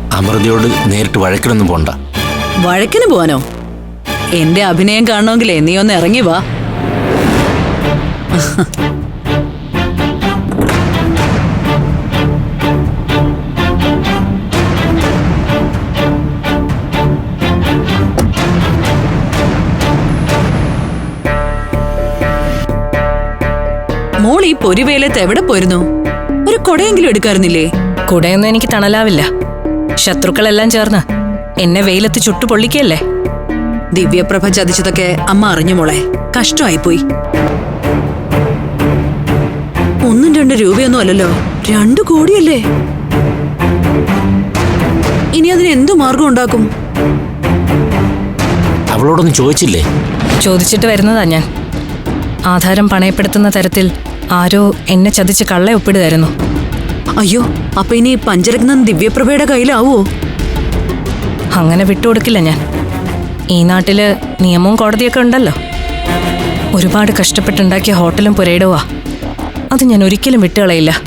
അമൃതയോട് നേരിട്ട് വഴക്കിനൊന്നും പോണ്ട. വഴക്കിന് പോവാനോ? എന്റെ അഭിനയം കാണണമെങ്കിലേ നീ ഒന്ന് ഇറങ്ങി വാ. മോൾ ഈ പൊരിവേലത്ത് എവിടെ പോയിരുന്നു? ഒരു കൊടയെങ്കിലും എടുക്കാറുന്നില്ലേ? കുടയൊന്നും എനിക്ക് തണലാവില്ല. ശത്രുക്കളെല്ലാം ചേർന്ന് എന്നെ വെയിലത്ത് ചുട്ടു പൊള്ളിക്കല്ലേ. ദിവ്യപ്രഭ ചതിച്ചതൊക്കെ അമ്മ അറിഞ്ഞു മോളെ. കഷ്ടമായിപ്പോയി. 1-2 രൂപയൊന്നും അല്ലല്ലോ, 2 കോടിയല്ലേ. ഇനി അതിന് എന്തു മാർഗം ഉണ്ടാക്കും? അവളോടൊന്നും ചോദിച്ചില്ലേ? ചോദിച്ചിട്ട് വരുന്നതാ ഞാൻ. ആധാരം പണയപ്പെടുത്തുന്ന തരത്തിൽ ആരോ എന്നെ ചതിച്ച് കള്ള ഒപ്പിടുതായിരുന്നു. അയ്യോ, അപ്പൊ ഇനി പഞ്ചരത്നം ദിവ്യപ്രഭയുടെ കയ്യിലാവോ? അങ്ങനെ വിട്ടുകൊടുക്കില്ല ഞാൻ. ഈ നാട്ടില് നിയമവും കോടതിയൊക്കെ ഉണ്ടല്ലോ. ഒരുപാട് കഷ്ടപ്പെട്ടുണ്ടാക്കിയ ഹോട്ടലും പുരയിടവാ. അത് ഞാൻ ഒരിക്കലും വിട്ടുകളയില്ല.